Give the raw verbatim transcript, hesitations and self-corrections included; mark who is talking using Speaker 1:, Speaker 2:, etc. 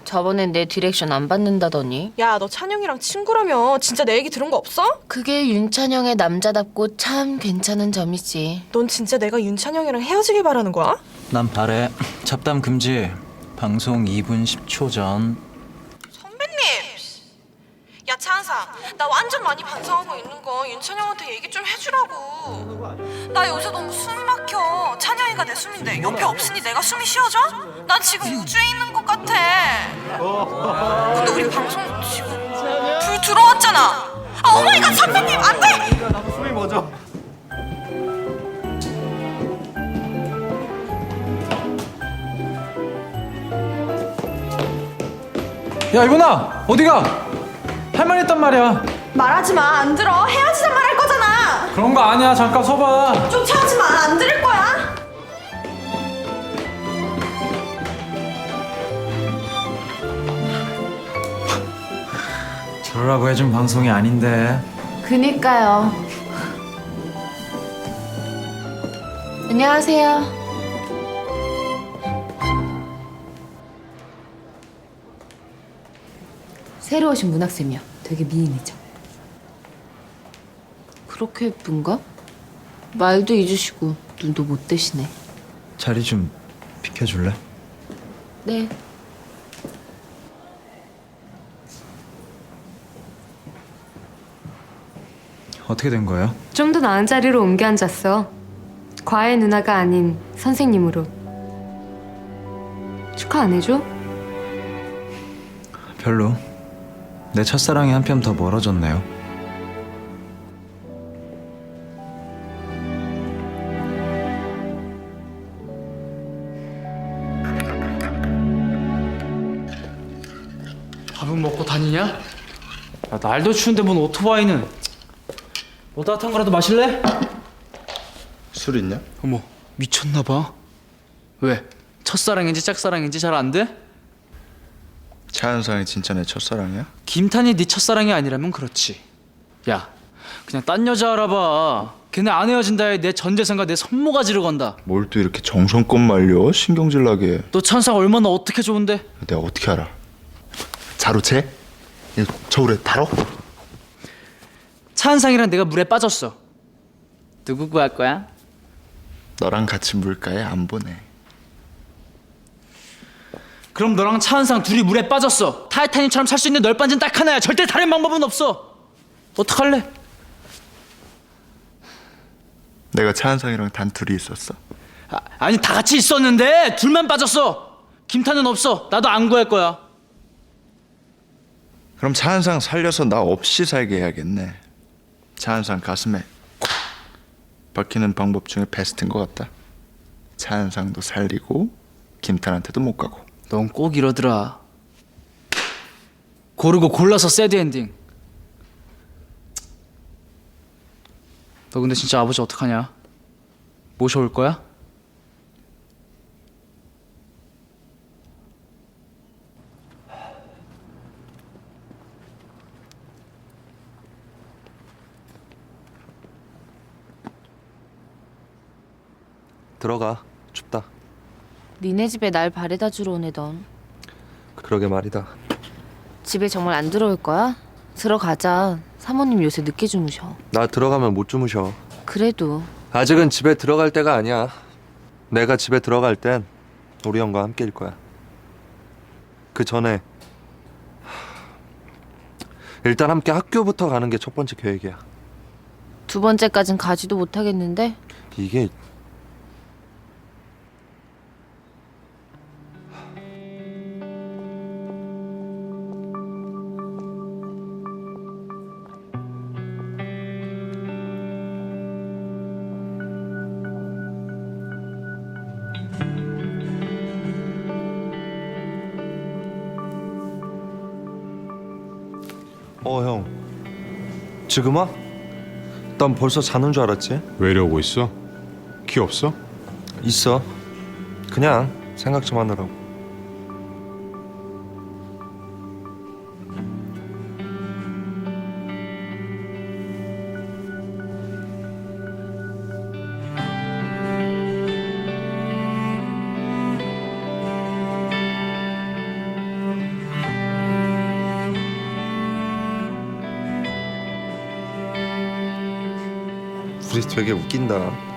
Speaker 1: 저번엔 내 디렉션 안 받는다더니.
Speaker 2: 야, 너 찬영이랑 친구라며. 진짜 내 얘기 들은 거 없어?
Speaker 1: 그게 윤찬영의 남자답고 참 괜찮은 점이지.
Speaker 2: 넌 진짜 내가 윤찬영이랑 헤어지길 바라는 거야?
Speaker 3: 난 바래. 잡담 금지. 방송 이 분 십 초 전.
Speaker 2: 선배님! 야, 찬상. 나 완전 많이 반성하고 있는 거 윤찬영한테 얘기 좀 해주라고. 나 요새 너무 숨이 막혀. 찬영이가 내 숨인데 옆에 없으니 내가 숨이 쉬어져? 난 지금 우주에 있는 것 같아. 근데 우리 방송 지금 불 들어왔잖아. 아, 오마이갓, 선배님! 안 돼!
Speaker 4: 나도 숨이 멎어.
Speaker 3: 야 이분아 어디가? 할 말 있단 말이야.
Speaker 2: 말하지 마. 안 들어. 헤어지자 말할 거잖아.
Speaker 3: 그런 거 아니야. 잠깐 서봐.
Speaker 2: 쫓아오지 마. 안 들을 거야.
Speaker 3: 저러라고 해준 방송이 아닌데.
Speaker 1: 그니까요. 안녕하세요. 새로 오신 문학쌤이요. 되게 미인이죠. 그렇게 예쁜가? 말도 잊으시고 눈도 못 뜨시네.
Speaker 3: 자리 좀 비켜줄래?
Speaker 1: 네.
Speaker 3: 어떻게 된 거예요?
Speaker 5: 좀 더 나은 자리로 옮겨 앉았어. 과외 누나가 아닌 선생님으로. 축하 안 해줘?
Speaker 3: 별로. 내 첫사랑이 한 뼘 더 멀어졌네요.
Speaker 6: 밥은 먹고 다니냐? 야, 날도 추운데 뭔 오토바이는. 뭐 따뜻한 거라도 마실래?
Speaker 4: 술 있냐?
Speaker 6: 어머, 미쳤나 봐. 왜? 첫사랑인지 짝사랑인지 잘 안 돼?
Speaker 4: 차은상이 진짜 내 첫사랑이야?
Speaker 6: 김탄이 네 첫사랑이 아니라면 그렇지. 야, 그냥 딴 여자 알아봐. 걔네 안 헤어진다에 내 전 재산과 내 손모가지를 건다.
Speaker 4: 뭘 또 이렇게 정성껏 말려? 신경질 나게.
Speaker 6: 너 천상 얼마나 어떻게 좋은데?
Speaker 4: 내가 어떻게 알아? 자루 채? 저울에 달어?
Speaker 6: 차은상이랑 내가 물에 빠졌어. 누구 구할 거야?
Speaker 4: 너랑 같이 물가에 안 보내.
Speaker 6: 그럼 너랑 차은상 둘이 물에 빠졌어. 타이타닉처럼 살 수 있는 널빤지는 딱 하나야. 절대 다른 방법은 없어. 어떡할래?
Speaker 4: 내가 차은상이랑 단 둘이 있었어.
Speaker 6: 아, 아니 다 같이 있었는데 둘만 빠졌어. 김탄은 없어. 나도 안 구할 거야.
Speaker 4: 그럼 차은상 살려서 나 없이 살게 해야겠네. 차은상 가슴에 콕 박히는 방법 중에 베스트인 것 같다. 차은상도 살리고 김탄한테도 못 가고.
Speaker 6: 넌 꼭 이러더라. 고르고 골라서 새드 엔딩. 너 근데 진짜 아버지 어떡하냐? 모셔올 거야?
Speaker 7: 들어가. 춥다.
Speaker 1: 니네 집에 날 바래다 주러 오네 넌.
Speaker 7: 그러게 말이다.
Speaker 1: 집에 정말 안 들어올 거야? 들어가자. 사모님 요새 늦게 주무셔.
Speaker 7: 나 들어가면 못 주무셔.
Speaker 1: 그래도
Speaker 7: 아직은 집에 들어갈 때가 아니야. 내가 집에 들어갈 땐 우리 형과 함께일 거야. 그 전에 일단 함께 학교부터 가는 게 첫 번째 계획이야.
Speaker 1: 두 번째까진 가지도 못하겠는데?
Speaker 7: 이게 어, 형. 지금 와? 난 벌써 자는 줄 알았지?
Speaker 8: 왜 이러고 있어? 키 없어?
Speaker 7: 있어. 그냥 생각 좀 하느라고. 우리 되게 웃긴다.